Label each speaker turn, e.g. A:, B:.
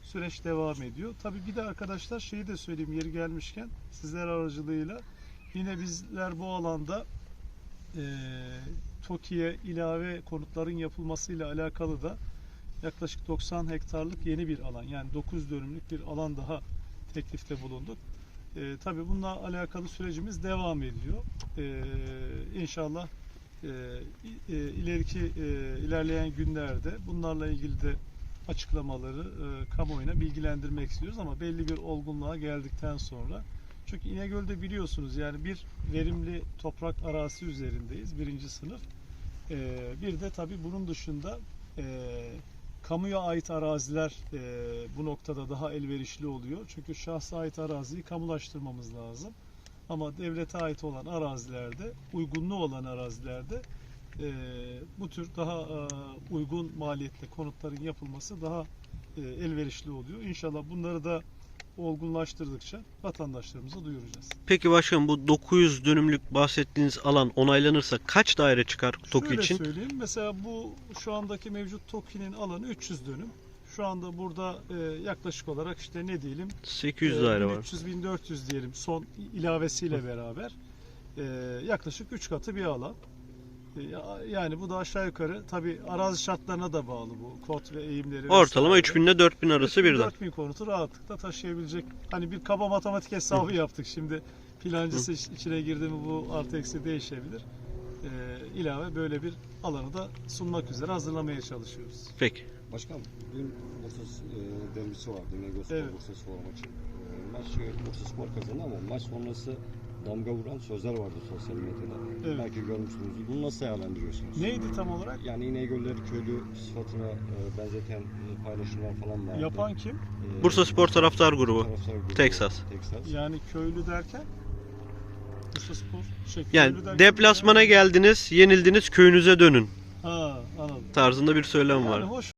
A: süreç devam ediyor. Tabii bir de arkadaşlar şeyi de söyleyeyim yeri gelmişken sizler aracılığıyla yine bizler bu alanda TOKİ'ye ilave konutların yapılmasıyla alakalı da yaklaşık 90 hektarlık yeni bir alan, yani 9 dönümlük bir alan daha teklifte bulunduk. Tabii bununla alakalı sürecimiz devam ediyor. İnşallah ilerleyen günlerde bunlarla ilgili de açıklamaları kamuoyuna bilgilendirmek istiyoruz ama belli bir olgunluğa geldikten sonra, çünkü İnegöl'de biliyorsunuz yani bir verimli toprak arazisi üzerindeyiz, birinci sınıf. Bir de tabii bunun dışında kamuya ait araziler bu noktada daha elverişli oluyor. Çünkü şahsa ait araziyi kamulaştırmamız lazım. Ama devlete ait olan arazilerde, uygunluğu olan arazilerde bu tür daha uygun maliyetli konutların yapılması daha elverişli oluyor. İnşallah bunları da olgunlaştırdıkça vatandaşlarımıza duyuracağız.
B: Peki başkanım, bu 900 dönümlük bahsettiğiniz alan onaylanırsa kaç daire çıkar TOKİ için?
A: Şöyle söyleyeyim, mesela bu şu andaki mevcut TOKİ'nin alanı 300 dönüm. Şu anda burada yaklaşık olarak işte ne diyelim
B: 800 daire var.
A: 1300-1400 diyelim son ilavesiyle beraber yaklaşık 3 katı bir alan. Yani bu da aşağı yukarı tabi arazi şartlarına da bağlı bu kod ve eğimleri.
B: Ortalama 3000 ile 4000 arası birden.
A: 4000 konutu rahatlıkla taşıyabilecek. Hani bir kaba matematik hesabı yaptık. Şimdi plancısı içine girdi mi bu artı eksi değişebilir. İlave böyle bir alanı da sunmak üzere hazırlamaya çalışıyoruz.
B: Peki.
C: Başkanım, dün Bursa derbisi vardı. İnegöl
A: Evet.
C: Bursa Spor maçı. Maç Bursa Spor kazandı ama maç sonrası damga vuran sözler vardı sosyal medyada.
A: Evet.
C: Belki görmüşsünüzdür. Bunu nasıl değerlendiriyorsunuz?
A: Neydi tam olarak?
C: Yani İnegölleri köylü sıfatına benzeten paylaşımlar falan vardı.
A: Yapan kim?
B: Bursa Spor taraftar grubu.
C: Taraftar grubu.
B: Texas.
A: Yani köylü derken? Bursa Spor
B: Yani
A: köylü derken
B: deplasmana geldiniz, yenildiniz, köyünüze dönün
A: Ha, anladım.
B: tarzında bir söylem
A: Yani
B: var.
A: hoş